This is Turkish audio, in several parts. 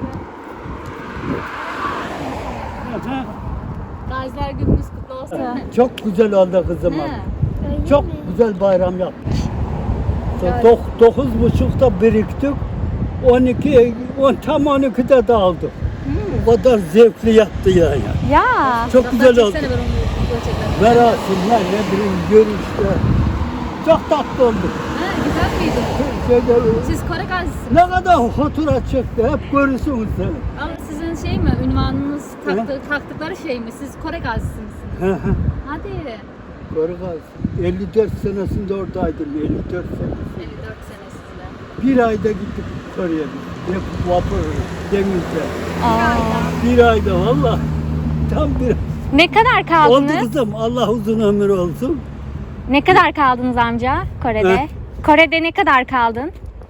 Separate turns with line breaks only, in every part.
Gaziler gününüz kutlu olsun.
Çok güzel oldu kızım.
He.
Çok güzel bayram yaptık. 9.30'da biriktik. 12'de dağıldık. O kadar zevkli yattı yani.
Ya.
Çok güzel oldu.
Çeksene ben onu video çekerim.
Merasimler, ne bileyim görüşler. Çok tatlı oldu.
Güzel miydi?
Şeyde,
Siz Kore gazisiniz.
ne kadar fotoğraf çekti, hep görürsünüz seni.
Ama sizin şey mi? Ünvanınız taktıkları şey mi? Siz Kore gazisi misiniz? Hadi.
Kore Gazi. 54 senesinde oradaydım, 54 sene.
54 senesinde.
Bir ayda gittik Kore'ye. Hep vapur, denizde.
Aa.
Bir ayda valla. Tam bir
Ne kadar
oldu
kaldınız?
kızım. Allah uzun ömür olsun.
Ne kadar kaldınız amca Kore'de?
He?
Kore'de ne kadar kaldın?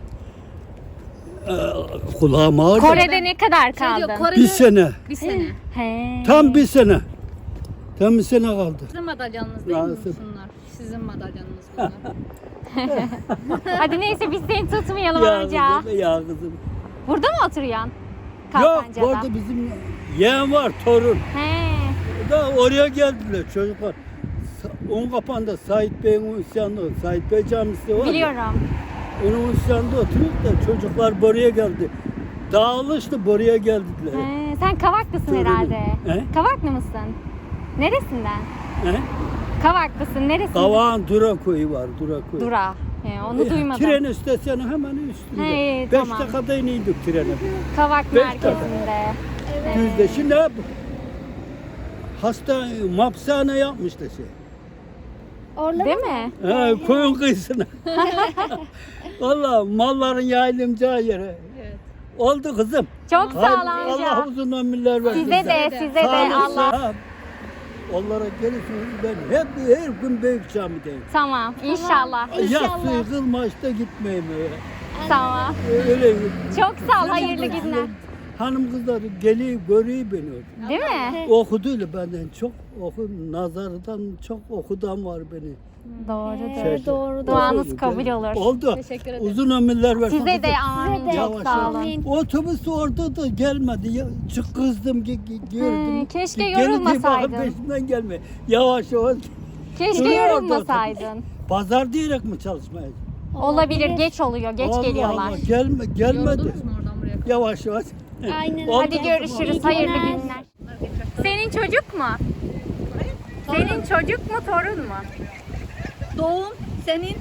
Kulağım ağrıdı.
Kore'de ne kadar
Şey diyor,
kaldın?
Kore'de
Bir sene.
bir sene.
He.
Tam bir sene. Tam bir sene kaldı.
Sizin madalyanız değil mi
Nasıl?
bunlar? Sizin madalyanız bunlar.
Hadi neyse biz seni tutmayalım
Ya
amca.
kızım, ya kızım.
Burada mı oturuyorsun?
Yok,
Kalkanca'da.
orada bizim yeğen var, torun.
He.
Da oraya geldiler çocuklar. Unkapan'da Sait Bey'in isyanında, Sait Bey camisi var. ya,
Biliyorum.
onun isyanında oturuyoruz da çocuklar buraya geldi. Dağılıştı, buraya geldiler.
He. Sen Kavaklısın
Torunum.
herhalde.
He?
Kavaklı mısın? Neresinden?
He?
Kavaklısın. Neresinden?
Kavağın Dura koyu var, Dura koyu.
Dura. He, onu duymadım.
Tren istasyonu hemen üstünde.
He,
5
tamam.
dakikada iniyorduk trene.
Kavak
Beş
merkezinde.
Düzde. Şimdi hep hasta, hapishane yapmışlar şey.
Değil mi?
Ha, koyun kıyısına. Vallahi malların yayılımcağı yere.
Evet.
Oldu kızım.
Çok sağ ol
Allah
amca.
uzun ömürler versin.
Size de, size de
Sağlık,
Allah.
sıhhat. Onlara gelirsiniz ben hep her gün büyük camideyim.
Tamam, inşallah.
Yatsı kılmaçta gitmeyeyim öyle.
Tamam.
Öyle.
Çok sağ ol, hayırlı günler.
Hanım kızları geliyor, görüyor beni orada.
Değil mi?
Okuduyla benden çok nazardan çok okudan var beni.
Doğrudur.
Doğru.
Duanız kabul olur.
Oldu.
Teşekkür ederim.
Uzun ömürler versin.
Size de
kızım.
amin. Çok
Yavaş
sağ
yavaş.
olun.
Otobüs orada da gelmedi. Ya, çık kızdım gördüm.
keşke
Gelin diye
yorulmasaydın.
bakın peşimden gelme. Yavaş yavaş.
Keşke
Duruyor orada
yorulmasaydın.
Pazar diyerek mi çalışmaya?
Olabilir, geç oluyor, geç
Allah
geliyorlar.
Allah, gelmedi.
Yoruldunuz mu oradan buraya kadar?
Yavaş yavaş.
Aynen.
Oldu.
Hadi görüşürüz, hayırlı günler. Senin çocuk mu? Senin çocuk mu, torun mu?
Doğum senin.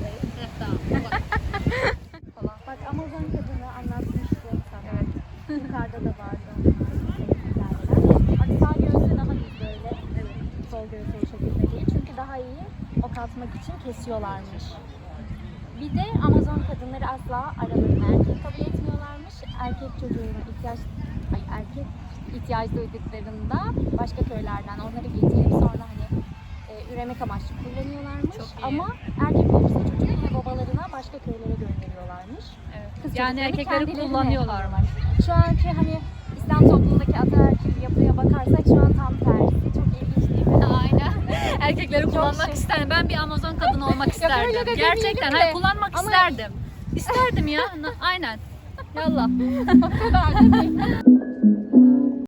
Bak Amazon kadını anlatmıştım sana. Evet. Yukarıda da vardı. Bak sağ göğsü daha iyi böyle. Evet. Sol göğsü o şekilde değil. Çünkü daha iyi ok atmak için kesiyorlarmış. Bir de Amazon kadınları asla aralarına erkek kabul etmiyorlarmış. Erkek çocuğuna erkek ihtiyaç duyduklarında başka köylerden onları getirip sonra hani üremek amaçlı kullanıyorlarmış.
Çok iyi.
Ama erkek olursa çocuğu yine babalarına başka köylere gönderiyorlarmış.
Evet.
Kız
Yani
çocuklarını
erkekleri
kendilerine
kullanıyorlarmış.
Şu anki hani İslam toplumundaki ataerkil yapıya bakarsak şu an tam tersi. Çok ilginç değil mi?
Aynen. Erkekleri kullanmak
şey.
isterdim. Ben bir Amazon kadını olmak
öyle
isterdim.
de
Gerçekten.
demeyelim
Hayır
de.
kullanmak
Ama-
isterdim. İsterdim ya. Aynen. Yallah.
O kadar da değil.